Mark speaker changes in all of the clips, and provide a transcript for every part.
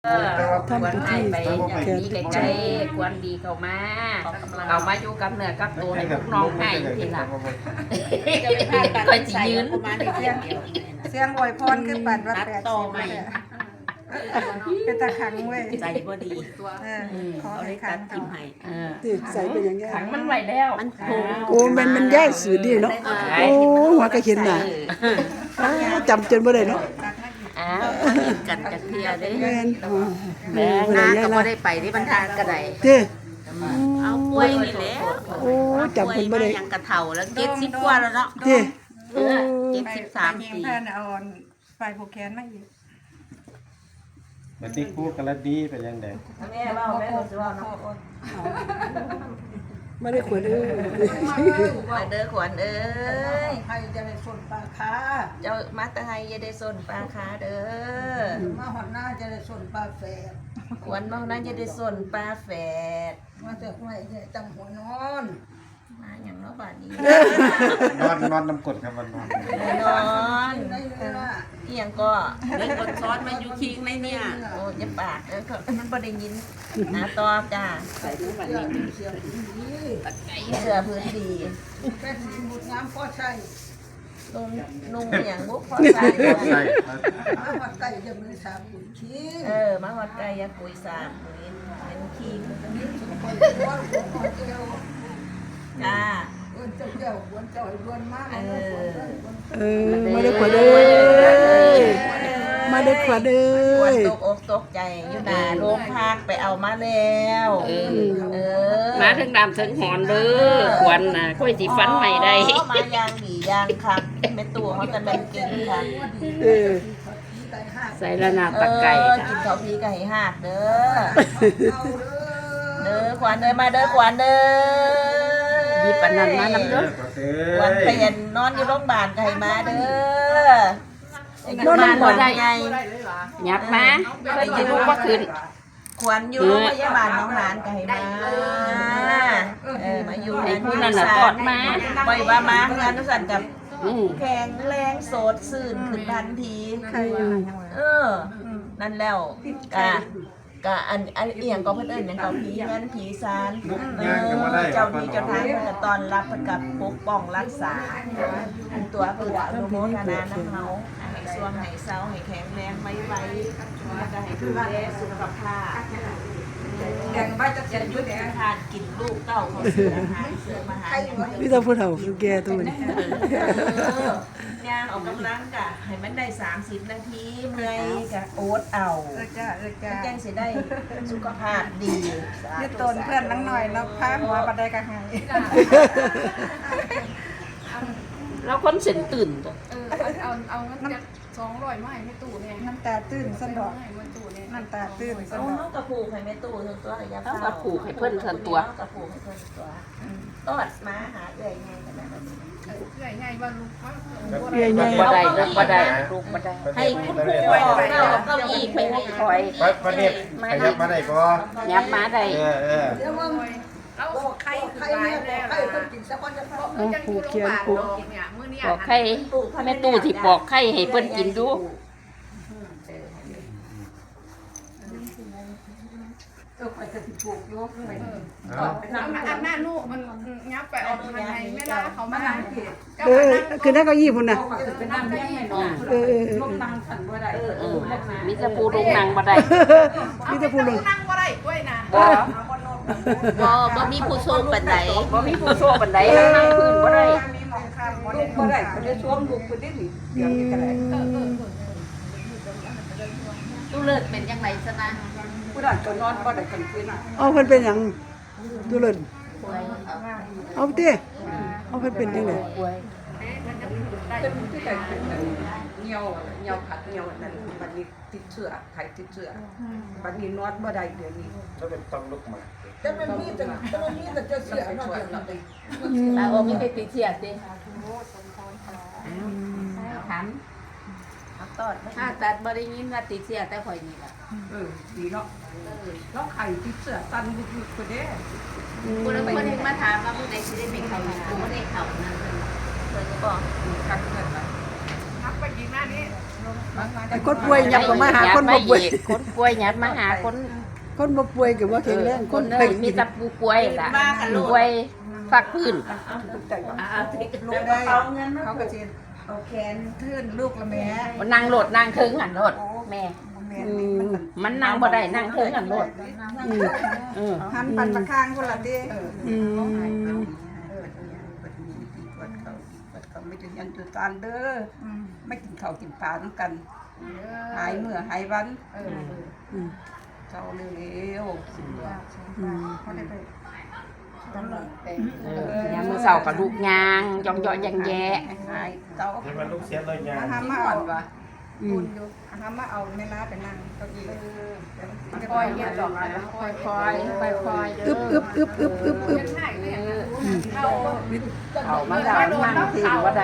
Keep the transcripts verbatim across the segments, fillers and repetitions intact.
Speaker 1: เออควรให้ไปอย่างนี้ใกล้ๆควรดีเข้ามาเข้ามาอยู่กับเนื้อกับตัวให้พวกน้องให้ทีหลังก็จะยืน
Speaker 2: เสียงอวยพรคือปั่นว่าแปดสิบเป็นตาขังเว้ย
Speaker 3: ใจบ่ดี
Speaker 2: เออขอ
Speaker 3: เอา
Speaker 2: ให้
Speaker 3: ได้
Speaker 2: ขั
Speaker 3: ตั
Speaker 2: ง
Speaker 3: ด
Speaker 2: ต่
Speaker 3: ทิ
Speaker 2: อ
Speaker 3: มให้
Speaker 1: เออ
Speaker 4: ติดใส่เป็นอย่างเงี้ย
Speaker 1: ขังมันไว้แล้ว
Speaker 3: มันโผล่
Speaker 4: โอ้มันมันแย่สื่อดีเนาะโอ้หัวกระเข็นน่ะจำจนบ่ได้เนาะ
Speaker 1: อ้าว
Speaker 3: กันจักเที่ยเด้
Speaker 4: แม่น
Speaker 1: แม่
Speaker 3: นา
Speaker 1: นะ
Speaker 3: ก็บ่ได้ไปที่บรรทานก็ได้
Speaker 4: เด้
Speaker 3: เอาป่วยนี่แหละ
Speaker 4: โอ้จำเพิ่นบ่ได้
Speaker 3: ยังกระเฒ่าแล้วเจ็ดสิบกว่าแล้วเนาะ
Speaker 4: เด้โอ้
Speaker 3: เจ็ดสิบสาม
Speaker 2: ปี
Speaker 3: ปี
Speaker 2: เพื่อนเอาไฟผูกแขนมาอีก
Speaker 5: มันที่คู่กันแล้วดีไปยังไง
Speaker 1: แม่เล่าแม่ก็สิว่าเนาะ
Speaker 4: บ่ได้ควรเด้อ
Speaker 1: มาเด้อขวัญเอ้ย
Speaker 2: ให้จะได้ส่วนปลาคา
Speaker 1: เจ้ามาตะไฮอย่าได้สนปลาคาเด้อ
Speaker 2: มาหอดหน้าจะได้ส่วนปลาแฝด
Speaker 1: ขวัญเมานั้นอย่าได้สนปลาแฝด
Speaker 2: มาจากไหนเนี่ยจำหัวนอน
Speaker 1: มาอย่างเนาะบาดนี้
Speaker 5: นอนนอนน้ำกดครับวันนอน
Speaker 1: นอน
Speaker 2: ได้เลยว่า
Speaker 1: เอียงก็
Speaker 3: เล่นกดซ้อนมาอยู่คิงในเนี่ย
Speaker 1: โอ้ยปากเออมันบ่ได้ยินนะตอบจ้า
Speaker 3: ใส่ในวันนี้
Speaker 2: เสียงดี
Speaker 1: เสื้อพื้นดี
Speaker 2: แค่สีมุดน้ำพ่อใช่
Speaker 1: นุ่งนุ่งอย่างบุกพอใส่
Speaker 5: ใช่
Speaker 2: มาหอดไก่จะมือสามขุนชี้
Speaker 1: เออมาหอดไก่ยากุยสามปุ๋ยเป็นคิง
Speaker 2: คนร้อนคนเอว
Speaker 1: จ้า
Speaker 2: เอิ้นเจ้าเจ้าหวนเจ้าหวนมาก
Speaker 1: เออ
Speaker 4: เออมาได้ควรเด้อมาได้ควรเด้
Speaker 1: ควร
Speaker 4: อ
Speaker 1: ตกอกตกใจอยู่หน้าโรงพักไปเอามาแล้วเออเออ
Speaker 6: มาถึงดำถึงหอนเด้อควันน่ะค่อยสิฟันใหม่ได้
Speaker 1: อ๋อมายางดียางคักแม่ตัวเขาจะเป็นเก่งค่ะ
Speaker 4: เออ
Speaker 6: ใส่ละนา
Speaker 1: เอ
Speaker 6: ตะไก่
Speaker 1: อ
Speaker 6: ค่ะ
Speaker 1: กินข้าวพีไก่หักเด้อเด้อขวัญเด้อมาเด้อขวัญเด้อ
Speaker 6: หยิบอันนั้นมานำเด้อ
Speaker 1: ขวัญเปลี่ยนนอนอยู่โรงพยาบาลไก่มาเด้อน
Speaker 6: อนบ่ได้
Speaker 1: ไง
Speaker 6: ยับมาเคยสิลูกบ่ขึ้น
Speaker 1: ขวัญอยู่โรงพยาบาลน้องหลานไก่มาเออมาอยู่
Speaker 6: ให้ผู้นั้นน่ะกอดมา
Speaker 1: ปล่อยว่ามาเงินนุสันกับ
Speaker 6: อือ
Speaker 1: แข็งแรงโสดซื่นขึ้นทันที
Speaker 2: ใครว่ายังไง
Speaker 1: เออ นั่นแล้วกะกะอันอันเอียงก็เพิ่นเอิ้นหยังก็ผีเงินผีซานเออเจ้าที่เจ้าทางเพิ่นก็ต้อนรับเพิ่นก็ปกป้องรักษาอันตัวเพิ่นอนุโมทนานำเฮาให้สวงให้เซาให้แข็งแรงไว้ไว้แล้วก็ให้ดูแลสุขภาพ
Speaker 2: แกงบ้าจะเจ็บยุ่งแดง
Speaker 1: ทานกินลูกเต้าเขาเสืออาหารเสือมาหาอยู่
Speaker 4: มีแต่ผู้เฒ่าผู้แก่ตัวนี้
Speaker 1: ย่างออกกำลังกะให้มันได้สามสิบนาทีเมื่อยกะโอ๊ตเอา
Speaker 2: เออจ้าเออจ้า
Speaker 1: แจ้งสิได้สุขภาพดี
Speaker 2: ยืดตนเพื่อนนังหน่อยแล้วพาหัวบันไดกระหาย
Speaker 6: เราคนเส้นตื่นตัว
Speaker 7: เออเอาเอาเงินจะสองร้อยมาให้ไม่ตู้เนี่ย
Speaker 2: น้ำตาตื้นสันดอก
Speaker 7: ให้มาตู้เนี่ย
Speaker 2: น้ำตาตื้นสัน
Speaker 1: เอา
Speaker 2: ดอก
Speaker 1: น้องกระปูกให้แม่ตู้ทั้งตัวระยะ
Speaker 6: เอากระผูกให้เพิ่นทันตัว
Speaker 1: กระปูกให้เพิ่นตัวตอดมาหาเอื่อยไงกันนะ
Speaker 7: เออใหญ่ใหญ่บ้านลูกว่า
Speaker 4: เรื่อย
Speaker 6: ลูกบ่ได้ลูกบ่ได้ลูกบ่ได้
Speaker 1: ให้คุณครูบอกเก้าเก้าอี้ไปให้
Speaker 6: คอย
Speaker 5: ไปประเด็บไปยับมาได้ก็
Speaker 6: ยับมาได้
Speaker 5: เออเออ
Speaker 2: เดี๋ยวว่า
Speaker 7: เอาใคร
Speaker 2: ใคร
Speaker 7: ใคร
Speaker 2: เนี่ย
Speaker 7: เนี่ย
Speaker 2: ใครคนกินสักวันจะพอ
Speaker 7: เออจังกูโรงพยาบาลเนาะเนี่ยมื้อนี้
Speaker 6: บอกไข่แม่ตู้สิปอกไข่ให้เพิ่นกินดู
Speaker 2: เออคอยจะติดปลูกโยกไป
Speaker 5: เอา
Speaker 7: เอาอันหน้าลูกมันงับไปออกทางไหนไม่ได้เขามานั่งเก็บ
Speaker 4: ๆเออคือนั่นเก้าอี้พุ่นน่ะ
Speaker 2: ไปนั่งเลี้ยงให้น้อง
Speaker 4: เออเออเออ
Speaker 2: ลงนั่งขันบ่ได้
Speaker 6: เออมีแต่ผู้ลงนางบ่ได้
Speaker 4: มีแต่ผู้ลง
Speaker 7: นั่งบ่ได้ด้วยนะ
Speaker 6: บ่
Speaker 3: บ่บ่มีผู้สู้ปานใด
Speaker 6: บ่มีผู้โซ่ปานใดนั่งพื้นบ่ได้
Speaker 2: มีมองข้ามบ่ได้บ่ได้ก็ได้สวมลูกคนนี้นี่เดี๋ยวนี้ก็ได้
Speaker 7: เออเออ
Speaker 3: ตู้เลิศเป็นจังไดซะนะ
Speaker 2: ผู้นั้นก็นอนบ่ได้กันคืนน่ะ
Speaker 4: เอาเพิ่นเป็นหยังตัวเล่นเอาเต้เอาเพิ่นเป็นจังได๋
Speaker 2: เป็นที่แต่เป็นเหี่ยวเหี่ยวขัดเหี่ยวนั่นบัดนี้ติดเชื้อไข้ติดเชื้อบัดนี้นอนบ่ได้เดี๋ยวนี้
Speaker 5: แล้วเป็นต้องลุกมา
Speaker 2: แต่มันมีแต่แต่มันมีแต่จะเสียเนาะเดี๋ยวนี้
Speaker 3: ตาโอมีไปติดเสียติถาม
Speaker 1: เอาตอด
Speaker 3: ถ้าตัดบ่ได้ยินว่าติดเสียแต่ข่อยนี่ล่ะ
Speaker 2: เออดีเนาะแล้วไข่ติดเชื้อตันบุกๆก็ได้
Speaker 3: ผู้นั้นคนนึงมาถามว่าผู้ใดสิได้เป็นเขากูบ่ได้เข้านั่นเพิ่น
Speaker 1: เพิ่นก็บอก
Speaker 2: กักเงินน่ะ
Speaker 7: นับไปกี่หน้านี้
Speaker 2: เ
Speaker 4: ไอ้คนป่วยยับก็มาหาคนบ่ป่วย
Speaker 6: คนป่วยหยับมาหาคน
Speaker 4: คนบ่ป่วยก็บ่แข็งแรง
Speaker 6: คน
Speaker 4: ไป
Speaker 6: เอ้ยมีแต่ผู้ป่วยล่ะป่วยฟักพื้น
Speaker 1: เอาที่ลูกเอาเงินมา
Speaker 2: เขาก็จะเอาแขนทื่นลูกละแม่
Speaker 6: นั่งโหลดนั่งถึงอันโหลดแม่
Speaker 2: แม่
Speaker 4: อืม
Speaker 6: มันนั่งบ่ได้นั่งถึงอันโหลด
Speaker 4: อืม
Speaker 6: เออ
Speaker 2: หันปันมาข้างคนละดิ
Speaker 4: อืม
Speaker 2: เออเปิดมีตีปวดเขาปวดเขาไม่ถึงยันจุดการเด้อไม่กินข้าวกินปลาต้องกัน หายเมื่อหายวัน
Speaker 4: อืม
Speaker 2: เจ้าเร็ว
Speaker 4: อืม
Speaker 2: ๆเขาได้ไป
Speaker 6: เออยามมื้อเช้าก็ลูกยางย่องย่อแยงแยะ
Speaker 2: หายเจ้า
Speaker 5: ให้มันลูกเสียเลยยา
Speaker 2: อาหารมาเอา
Speaker 4: อืม
Speaker 2: อาหารมาเอาแม่น้าไปนั่งเก้าอี้
Speaker 3: คอยเฮ็ดดอกอะไรคอยคอยคอยคอย
Speaker 4: อึบอึบอึบอึบอึบอึบ
Speaker 6: เอามาแล้วนั่งถึงบ่ได้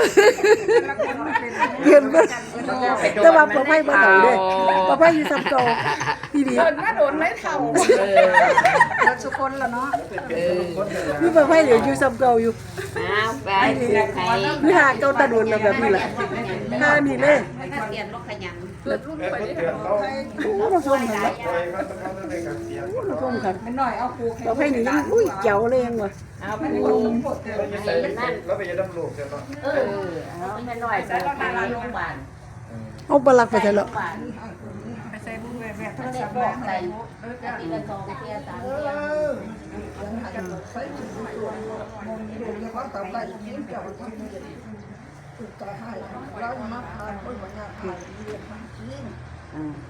Speaker 4: เห็นบ่แต่ว่าบ่ไผบ่เฒ่าเด้บ่ไผอยู่ซ้ำเก่าอีหลี
Speaker 7: เดินมาโดนไม่เท่า
Speaker 6: เออ
Speaker 2: แล้วทุกคนละเนาะ
Speaker 6: เออ
Speaker 4: มีบ่ไผเหลืออยู่ซ้ำเก่าอยู่
Speaker 6: เอาไปให้
Speaker 4: มีหาเก่าตาโดนแล้วแบบนี้แหละหานี่เลย
Speaker 3: ถ้าเปลี่ยนรถขยัน
Speaker 5: เอ้ยคนเตือนเขา
Speaker 4: โอ้มาส้มค่ะ
Speaker 5: ปล่อยมันต้องเอาได้กับเสีย
Speaker 4: โอ้มาส้มค่ะ
Speaker 2: ไม่น้อยเอาครู
Speaker 4: บ่ไผนี่ยังอุ้ยเจ๋วเลยยังว่ะ
Speaker 6: เอาไป
Speaker 2: ไม่
Speaker 6: ดู
Speaker 2: รู้หมดเลย
Speaker 5: เราจะใส่แล้วไปจะดำลูกใช่ไหม
Speaker 6: เออเอาแม่น้อยไป
Speaker 1: ต้องมาโรงพยาบาล
Speaker 4: เอาบ่ลักไปเถอะแล้ว
Speaker 2: ไปใส่บุ้งแหวนโทร
Speaker 3: เด็
Speaker 2: ศั
Speaker 3: ก
Speaker 2: พท์
Speaker 3: บ
Speaker 2: แม่
Speaker 3: อกใส่ทีละสองเทียสามเทีย
Speaker 6: อืม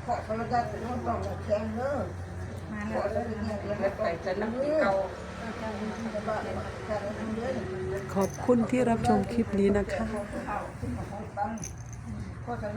Speaker 2: ไปจะน้ำที่เก่า
Speaker 4: ขอบคุณที่รับชมคลิปนี้นะคะ